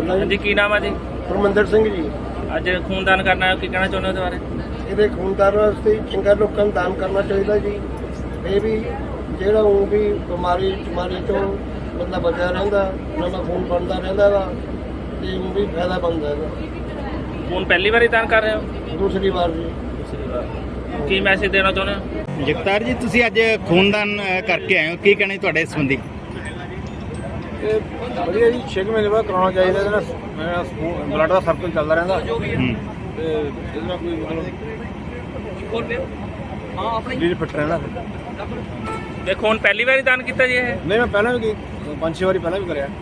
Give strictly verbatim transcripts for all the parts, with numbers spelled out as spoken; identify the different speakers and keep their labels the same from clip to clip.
Speaker 1: ਬੋਲਦਾ
Speaker 2: जी की नाम है जी?
Speaker 1: ਪਰਮਿੰਦਰ ਸਿੰਘ ਜੀ।
Speaker 2: ਅੱਜ ਖੂਨਦਾਨ ਕਰਨਾ ਕੀ ਕਹਿਣਾ ਚਾਹੁੰਦੇ ਹੋ ਉਹਦੇ ਬਾਰੇ?
Speaker 1: ਇਹਦੇ ਖੂਨਦਾਨ ਵਾਸਤੇ ਚੰਗਾ ਲੋਕਾਂ ਨੂੰ ਦਾਨ ਕਰਨਾ ਚਾਹੀਦਾ ਜੀ। ਇਹ ਵੀ ਜਿਹੜਾ ਉਹ ਵੀ ਬਿਮਾਰੀ ਬਿਮਾਰੀ ਤੋਂ ਬੰਦਾ ਬਚਿਆ ਰਹਿੰਦਾ, ਨਵਾਂ ਖੂਨ ਬਣਦਾ ਰਹਿੰਦਾ ਵਾ ਤੇ ਉਹ ਵੀ ਫਾਇਦਾ ਬਣਦਾ ਇਹਦਾ।
Speaker 2: ਖੂਨ ਪਹਿਲੀ ਵਾਰੀ ਦਾਨ ਕਰ ਰਹੇ ਹੋ?
Speaker 1: ਦੂਸਰੀ ਵਾਰ ਜੀ।
Speaker 2: ਦੂਸਰੀ ਵਾਰ। ਕੀ ਮੈਸੇਜ ਦੇਣਾ ਚਾਹੁੰਦੇ ਹੋ?
Speaker 3: ਜਗਤਾਰ ਜੀ, ਤੁਸੀਂ ਅੱਜ ਖੂਨਦਾਨ ਅ, ਕਰਕੇ ਆਏ ਹੋ, ਕੀ ਕਹਿਣਾ ਜੀ ਤੁਹਾਡੇ ਸੰਬੰਧੀ?
Speaker 4: ਇਹ ਵਧੀਆ ਜੀ, ਛੇ ਕੁ ਮਹੀਨੇ ਬਾਅਦ ਕਰਾਉਣਾ ਚਾਹੀਦਾ। ਇਹਦੇ ਨਾਲ ਮੇਰਾ ਬਲੱਡ ਦਾ ਸਰਕਲ ਚੱਲਦਾ ਰਹਿੰਦਾ
Speaker 3: ਹੂੰ।
Speaker 4: ਤੇ ਇਹਦੇ ਨਾਲ ਕੋਈ ਮਤਲਬ ਸਰੀਰ ਫਿੱਟ ਰਹਿੰਦਾ।
Speaker 2: ਤੇ ਖੂਨ ਪਹਿਲੀ ਵਾਰੀ ਦਾਨ ਕੀਤਾ ਜੀ ਇਹ?
Speaker 4: ਨਹੀਂ, ਮੈਂ ਪਹਿਲਾਂ ਵੀ ਪੰਜ ਛੇ ਵਾਰੀ ਪਹਿਲਾਂ ਵੀ ਕਰਿਆ।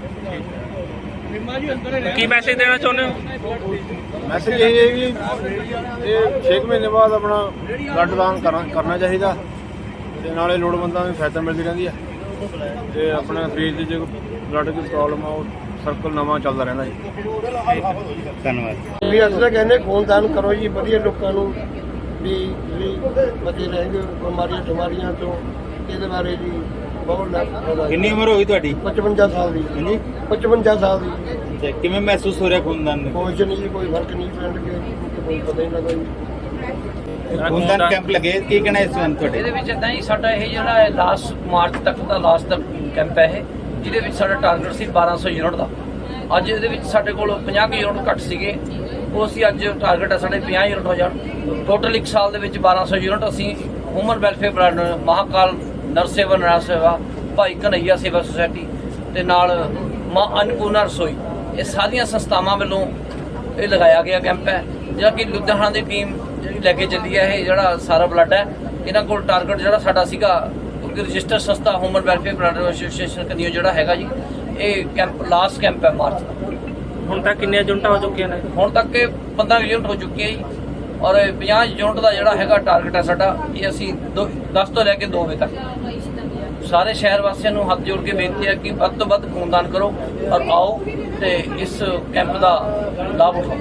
Speaker 2: ਕੀ ਮੈਸੇਜ ਦੇਣਾ ਚਾਹੁੰਦੇ ਹੋ?
Speaker 4: ਮੈਸੇਜ ਇਹ ਹੈ ਕਿ ਇਹ ਛੇ ਕੁ ਮਹੀਨੇ ਬਾਅਦ ਆਪਣਾ ਬਲੱਡ ਦਾਨ ਕਰਨਾ ਕਰਨਾ ਚਾਹੀਦਾ ਤੇ ਨਾਲੇ ਲੋੜਵੰਦਾਂ ਨੂੰ ਸਹਾਇਤਾ ਮਿਲਦੀ ਰਹਿੰਦੀ ਹੈ ਤੇ ਆਪਣੇ ਸਰੀਰ ਦੀ ਜੇ ਬਲੱਡ ਦੀ ਪ੍ਰੋਬਲਮ ਆ ਉਹ ਸਰਕਲ ਨਵਾਂ ਚੱਲਦਾ ਰਹਿੰਦਾ ਜੀ।
Speaker 3: ਧੰਨਵਾਦ।
Speaker 1: ਵੀ ਅਸੀਂ ਤਾਂ ਕਹਿੰਦੇ ਖੂਨਦਾਨ ਕਰੋ ਜੀ, ਵਧੀਆ ਲੋਕਾਂ ਨੂੰ ਵੀ ਵੀ ਬਚੇ ਰਹਿੰਦੇ ਬਿਮਾਰੀਆਂ ਬਿਮਾਰੀਆਂ ਤੋਂ। ਇਹਦੇ ਬਾਰੇ ਜੀ ਬਹੁਤ ਲਾਭ।
Speaker 3: ਕਿੰਨੀ ਉਮਰ ਹੋ ਗਈ ਤੁਹਾਡੀ?
Speaker 1: ਪਚਵੰਜਾ ਸਾਲ ਦੀ।
Speaker 3: ਹਾਂਜੀ।
Speaker 1: ਪਚਵੰਜਾ ਸਾਲ ਦੀ।
Speaker 3: ਅੱਛਾ, ਕਿਵੇਂ ਮਹਿਸੂਸ ਹੋ ਰਿਹਾ ਖੂਨਦਾਨ ਦੇ?
Speaker 1: ਕੁਛ ਨਹੀਂ ਜੀ, ਕੋਈ ਫਰਕ ਨਹੀਂ ਪਿੰਡ ਕੇ ਕੋਈ ਪਤਾ ਹੀ ਲੱਗਾ ਜੀ।
Speaker 3: ਖੂਨਦਾਨ ਕੈਂਪ ਲੱਗੇ, ਕੀ ਕਹਿਣਾ ਇਸ ਸੰਬੰਧ ਤੁਹਾਡੇ?
Speaker 5: ਇਹਦੇ ਵਿੱਚ ਇੱਦਾਂ ਹੀ ਸਾਡਾ ਇਹ ਜਿਹੜਾ ਹੈ ਲਾਸਟ ਮਾਰਚ ਤੱਕ ਦਾ ਲਾਸਟ ਕੈਂਪ ਹੈ ਇਹ, ਜਿਹਦੇ ਵਿੱਚ ਸਾਡਾ ਟਾਰਗੇਟ ਸੀ ਬਾਰਾਂ ਸੌ ਯੂਨਿਟ ਦਾ। ਅੱਜ ਇਹਦੇ ਵਿੱਚ ਸਾਡੇ ਕੋਲ ਪੰਜਾਹ ਕੁ ਯੂਨਿਟ ਘੱਟ ਸੀਗੇ, ਉਹ ਅਸੀਂ ਅੱਜ ਟਾਰਗੇਟ ਹੈ ਸਾਡੇ ਪੰਜਾਹ ਯੂਨਿਟ ਹੋ ਜਾਣ। ਟੋਟਲ ਇੱਕ ਸਾਲ ਦੇ ਵਿੱਚ ਬਾਰਾਂ ਸੌ ਯੂਨਿਟ ਅਸੀਂ ਹਿਊਮਨ ਵੈਲਫੇਅਰ ਬਲੱਡ, ਮਹਾਕਾਲ ਨਰਸ ਸੇਵਾ ਨਰਾਜ ਸੇਵਾ, ਭਾਈ ਕਨਈਆ ਸੇਵਾ ਸੁਸਾਇਟੀ ਤੇ ਨਾਲ ਮਾਂ ਅੰਨਪੂਰਨਾ ਰਸੋਈ, ਇਹ ਸਾਰੀਆਂ ਸੰਸਥਾਵਾਂ ਵੱਲੋਂ ਇਹ ਲਗਾਇਆ ਗਿਆ ਕੈਂਪ ਹੈ, ਜਿਹੜਾ ਕਿ ਲੁਧਿਆਣਾ ਦੀ ਟੀਮ ਜਿਹੜੀ ਲੈ ਕੇ ਚੱਲੀ ਹੈ। ਇਹ ਜਿਹੜਾ ਸਾਰਾ ਬਲੱਡ ਹੈ, ਇਹਨਾਂ ਕੋਲ ਟਾਰਗੇਟ ਜਿਹੜਾ ਸਾਡਾ ਸੀਗਾ, ਕਿਉਂਕਿ ਰਜਿਸਟਰ ਸੰਸਥਾ ਹਿਊਮਨ ਵੈਲਫੇਅਰ ਬਲੱਡ ਐਸੋਸੀਏਸ਼ਨ ਕਨੀਓ ਜਿਹੜਾ ਹੈਗਾ ਜੀ, ਇਹ ਕੈਂਪ ਲਾਸਟ ਕੈਂਪ ਹੈ ਮਾਰਚ ਦਾ।
Speaker 2: ਹੁਣ ਤੱਕ ਕਿੰਨੀਆਂ ਯੂਨਿਟਾਂ ਹੋ ਚੁੱਕੀਆਂ ਨੇ?
Speaker 5: ਹੁਣ ਤੱਕ ਇਹ ਪੰਦਰਾਂ ਯੂਨਿਟ ਹੋ ਚੁੱਕੀ ਹੈ ਜੀ, ਔਰ ਪੰਜਾਹ ਯੂਨਿਟ ਦਾ ਜਿਹੜਾ ਹੈਗਾ ਟਾਰਗੇਟ ਹੈ ਸਾਡਾ, ਇਹ ਅਸੀਂ ਦੋ ਦਸ ਤੋਂ ਲੈ ਕੇ ਦੋ ਵਜੇ ਤੱਕ ਸਾਰੇ ਸ਼ਹਿਰ ਵਾਸੀਆਂ ਨੂੰ ਹੱਥ ਜੋੜ ਕੇ ਬੇਨਤੀ ਹੈ ਕਿ ਵੱਧ ਤੋਂ ਵੱਧ ਖੂਨਦਾਨ ਕਰੋ ਔਰ ਆਓ ਤੇ ਇਸ ਕੈਂਪ ਦਾ ਲਾਭ ਉਠਾਓ।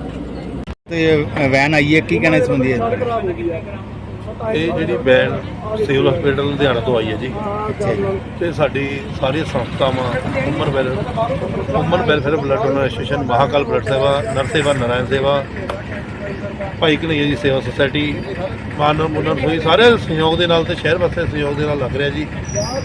Speaker 3: ਤੇ ਵੈਨ ਆਈ ਹੈ, ਕੀ ਕਹਿਣਾ ਇਸ ਸੰਬੰਧੀ ਹੈ?
Speaker 6: ਇਹ ਜਿਹੜੀ ਵੈਨ ਸਿਵਲ ਹਸਪੀਟਲ ਲੁਧਿਆਣਾ ਤੋਂ ਆਈ ਹੈ ਜੀ,
Speaker 3: ਅੱਛਾ ਜੀ।
Speaker 6: ਤੇ ਸਾਡੀ ਸਾਰੀਆਂ ਸੰਸਥਾਵਾਂ human well human welfare blood donor association, Mahakal blood ਸੇਵਾ, ਨਰ ਸੇਵਾ ਨਾਰਾਇਣ ਸੇਵਾ, ਭਾਈ ਕਨਈਆ ਜੀ ਸੇਵਾ ਸੁਸਾਇਟੀ, ਮਾਨਵ ਮੁੰਨਰ ਹੋਈ, ਸਾਰੇ ਸਹਿਯੋਗ ਦੇ ਨਾਲ ਤੇ ਸ਼ਹਿਰ ਵਾਸੀਆਂ ਦੇ ਸਹਿਯੋਗ ਦੇ ਨਾਲ ਲੱਗ ਰਿਹਾ ਜੀ।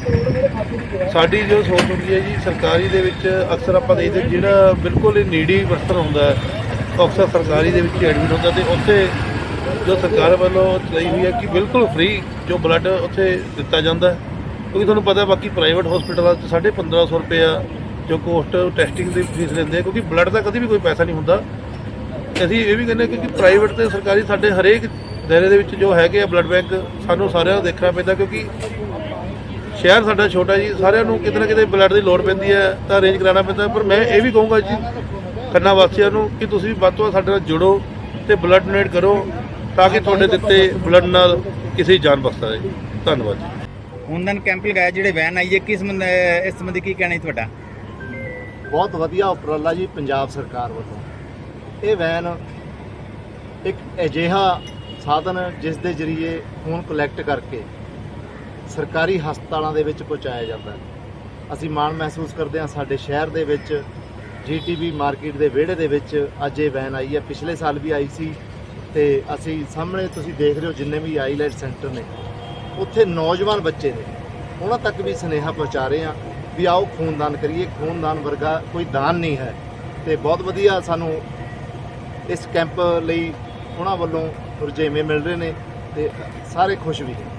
Speaker 6: ਸਾਡੀ ਜੋ ਸੋਚ ਹੁੰਦੀ ਹੈ ਜੀ, ਸਰਕਾਰੀ ਦੇ ਵਿੱਚ ਅਕਸਰ ਆਪਾਂ ਦੇਖਦੇ ਜਿਹੜਾ ਬਿਲਕੁਲ ਹੀ ਨੀਡੀ ਪਰਸਨ ਹੁੰਦਾ ਹੈ, ਅਕਸਰ ਸਰਕਾਰੀ ਦੇ ਵਿੱਚ ਐਡਮਿਟ ਹੁੰਦਾ ਤੇ ਉੱਥੇ ਜੋ ਸਰਕਾਰ ਵੱਲੋਂ ਚਲਾਈ ਹੋਈ ਹੈ ਕਿ ਬਿਲਕੁਲ ਫ੍ਰੀ ਜੋ ਬਲੱਡ ਉੱਥੇ ਦਿੱਤਾ ਜਾਂਦਾ, ਕਿਉਂਕਿ ਤੁਹਾਨੂੰ ਪਤਾ ਬਾਕੀ ਪ੍ਰਾਈਵੇਟ ਹਸਪੀਟਲਾਂ 'ਚ ਸਾਢੇ ਪੰਦਰਾਂ ਸੌ ਰੁਪਇਆ ਜੋ ਕੋਸਟ ਟੈਸਟਿੰਗ ਦੀ ਫੀਸ ਲੈਂਦੇ ਆ, ਕਿਉਂਕਿ ਬਲੱਡ ਦਾ ਕਦੇ ਵੀ ਕੋਈ ਪੈਸਾ ਨਹੀਂ ਹੁੰਦਾ। ਅਸੀਂ ਇਹ ਵੀ ਕਹਿੰਦੇ ਕਿਉਂਕਿ ਪ੍ਰਾਈਵੇਟ ਤੇ ਸਰਕਾਰੀ ਸਾਡੇ ਹਰੇਕ ਦਾਇਰੇ ਦੇ ਵਿੱਚ ਜੋ ਹੈਗੇ ਆ ਬਲੱਡ ਬੈਂਕ, ਸਾਨੂੰ ਸਾਰਿਆਂ ਨੂੰ ਦੇਖਣਾ ਪੈਂਦਾ, ਕਿਉਂਕਿ ਸ਼ਹਿਰ ਸਾਡਾ ਛੋਟਾ ਜੀ, ਸਾਰਿਆਂ ਨੂੰ ਕਿਤੇ ਨਾ ਕਿਤੇ ਬਲੱਡ ਦੀ ਲੋੜ ਪੈਂਦੀ ਹੈ ਤਾਂ ਅਰੇਂਜ ਕਰਾਉਣਾ ਪੈਂਦਾ। ਪਰ ਮੈਂ ਇਹ ਵੀ ਕਹੂੰਗਾ ਜੀ ਖੰਨਾ ਵਾਸੀਆਂ ਨੂੰ ਕਿ ਤੁਸੀਂ ਵੀ ਵੱਧ ਤੋਂ ਵੱਧ ਸਾਡੇ ਨਾਲ ਜੁੜੋ ਤੇ ਬਲੱਡ ਡੋਨੇਟ ਕਰੋ ਤਾਂ ਕਿ ਤੁਹਾਡੇ ਦਿੱਤੇ ਬਲੱਡ ਨਾਲ ਕਿਸੇ ਦੀ ਜਾਨ ਬਚ ਸਕੇ। ਧੰਨਵਾਦ ਜੀ।
Speaker 3: ਖੂਨਦਾਨ ਕੈਂਪ ਲਗਾਇਆ, ਜਿਹੜੇ ਵੈਨ ਆਈ ਹੈ, ਕਿਸ ਸੰਬੰਧ ਇਸ ਸੰਬੰਧੀ ਕੀ ਕਹਿਣਾ ਜੀ ਤੁਹਾਡਾ?
Speaker 7: ਬਹੁਤ ਵਧੀਆ ਉਪਰਾਲਾ ਜੀ ਪੰਜਾਬ ਸਰਕਾਰ ਵੱਲੋਂ। ਇਹ ਵੈਨ ਇੱਕ ਅਜਿਹਾ ਸਾਧਨ ਜਿਸ ਦੇ ਜ਼ਰੀਏ ਖੂਨ ਕਲੈਕਟ ਕਰਕੇ ਸਰਕਾਰੀ ਹਸਪਤਾਲਾਂ ਦੇ ਵਿੱਚ ਪਹੁੰਚਾਇਆ ਜਾਂਦਾ ਹੈ। ਅਸੀਂ ਮਾਣ ਮਹਿਸੂਸ ਕਰਦੇ ਹਾਂ ਸਾਡੇ ਸ਼ਹਿਰ ਦੇ ਵਿੱਚ ਜੀ ਟੀ ਵੀ ਮਾਰਕੀਟ ਦੇ ਵਿਹੜੇ ਦੇ ਵਿੱਚ ਅੱਜ ਇਹ ਵੈਨ ਆਈ ਹੈ। ਪਿਛਲੇ ਸਾਲ ਵੀ ਆਈ ਸੀ ਤੇ ਅਸੀਂ ਸਾਹਮਣੇ ਤੁਸੀਂ ਦੇਖ ਰਹੇ ਹੋ ਜਿੰਨੇ ਵੀ ਆਈਲੈਟ ਸੈਂਟਰ ਨੇ ਉੱਥੇ ਨੌਜਵਾਨ ਬੱਚੇ ਨੇ, ਉਹਨਾਂ ਤੱਕ ਵੀ ਸੁਨੇਹਾ ਪਹੁੰਚਾ ਰਹੇ ਹਾਂ ਵੀ ਆਓ ਖੂਨਦਾਨ ਕਰੀਏ। ਖੂਨਦਾਨ ਵਰਗਾ ਕੋਈ ਦਾਨ ਨਹੀਂ ਹੈ ਤੇ ਬਹੁਤ ਵਧੀਆ ਸਾਨੂੰ ਇਸ ਕੈਂਪ ਲਈ ਉਹਨਾਂ ਵੱਲੋਂ ਰੁਝੇਵੇਂ ਮਿਲ ਰਹੇ ਨੇ ਤੇ ਸਾਰੇ ਖੁਸ਼ ਵੀ ਨੇ।